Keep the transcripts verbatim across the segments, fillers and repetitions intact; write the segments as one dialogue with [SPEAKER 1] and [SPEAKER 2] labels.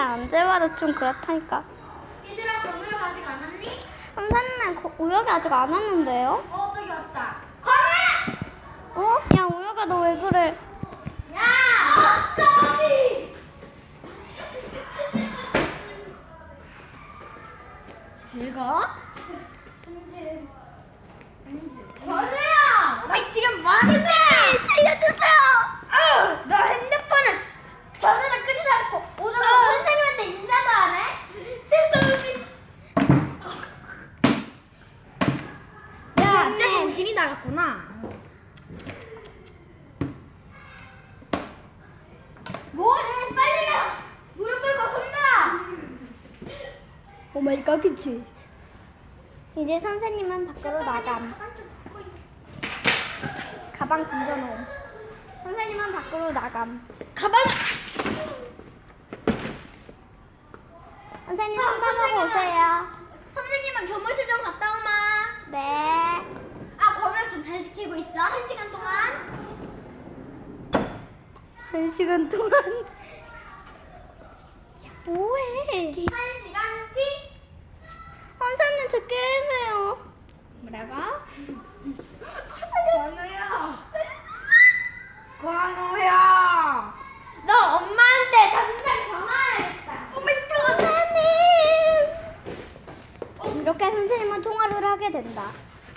[SPEAKER 1] 나 언제마다 좀 그렇다니까.
[SPEAKER 2] 얘들아, 건우형 아직 안 왔니?
[SPEAKER 1] 선생님, 거- 우혁이 아직 안 왔는데요?
[SPEAKER 2] 어, 저기 왔다. 건우야!
[SPEAKER 1] 어? 야, 우혁아, 너 왜 그래?
[SPEAKER 2] 야! 거기! 제가? 건우야! 너 지금 뭐 하는데?
[SPEAKER 1] 살려주세요!
[SPEAKER 2] 어, 너 핸드폰을 전화를 끄지 않고 오늘 선생님한테 인사도 안 해? 죄송합니다. 야,
[SPEAKER 1] 선생님.
[SPEAKER 2] 쟤 정신이 나갔구나. 뭐해? 빨리 가. 무릎 꿇고 손나.
[SPEAKER 1] 오마이갓, 김치. 이제 선생님은 밖으로 나감. 가방 던져놓음. 선생님은 밖으로 나감.
[SPEAKER 2] 가방.
[SPEAKER 1] 선생님
[SPEAKER 2] 어,
[SPEAKER 1] 상담하고
[SPEAKER 2] 선생님아.
[SPEAKER 1] 오세요.
[SPEAKER 2] 선생님은 교무실 좀 갔다 오마.
[SPEAKER 1] 네.
[SPEAKER 2] 아, 건우 좀 잘 지키고 있어. 한 시간 동안.
[SPEAKER 1] 한 시간 동안. 뭐해?
[SPEAKER 2] 한 시간 뒤.
[SPEAKER 1] 선생님 저 게임해요.
[SPEAKER 2] 뭐라고? 관우야. 관우야. 너 엄마한테 당장 전화해야겠다.
[SPEAKER 1] 선생님. 이렇게 선생님은 통화를 하게 된다.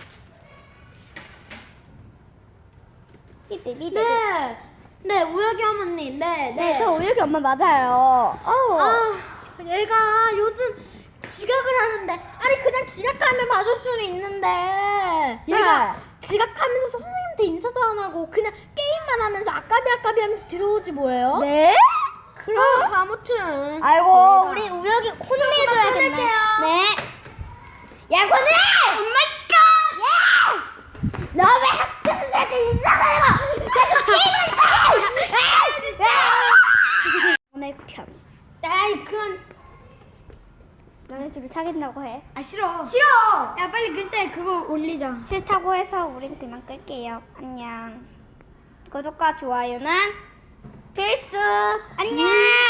[SPEAKER 1] 삐삐삐삐.
[SPEAKER 2] 네. 네, 우혁이 어머니. 네, 네.
[SPEAKER 1] 네, 저 우혁이 엄마 맞아요. 어우.
[SPEAKER 2] 아, 얘가 요즘 지각을 하는데, 아니 그냥 지각하면 봐줄 수는 있는데, 얘가
[SPEAKER 1] 네.
[SPEAKER 2] 지각하면서 선생님한테 인사도 안 하고 그냥 게임만 하면서 아까비 아까비 하면서 들어오지 뭐예요?
[SPEAKER 1] 네?
[SPEAKER 2] 그럼 아무튼.
[SPEAKER 1] 아이고,
[SPEAKER 2] 저희가
[SPEAKER 1] 우리 우혁이 혼내줘야겠네.
[SPEAKER 2] 끊을게요.
[SPEAKER 1] 네. 야, 권우야! 오마이갓! 야! 너 왜 학교 선생님한테 인사도 안 하고 계속 게임을 해! 오늘 편.
[SPEAKER 2] 아이 그건
[SPEAKER 1] 너네 둘이 사귄다고 해.
[SPEAKER 2] 아 싫어. 싫어. 야 빨리 그때 그거 올리자.
[SPEAKER 1] 싫다고 해서 우린 그만 끌게요. 안녕. 구독과 좋아요는 필수. 안녕.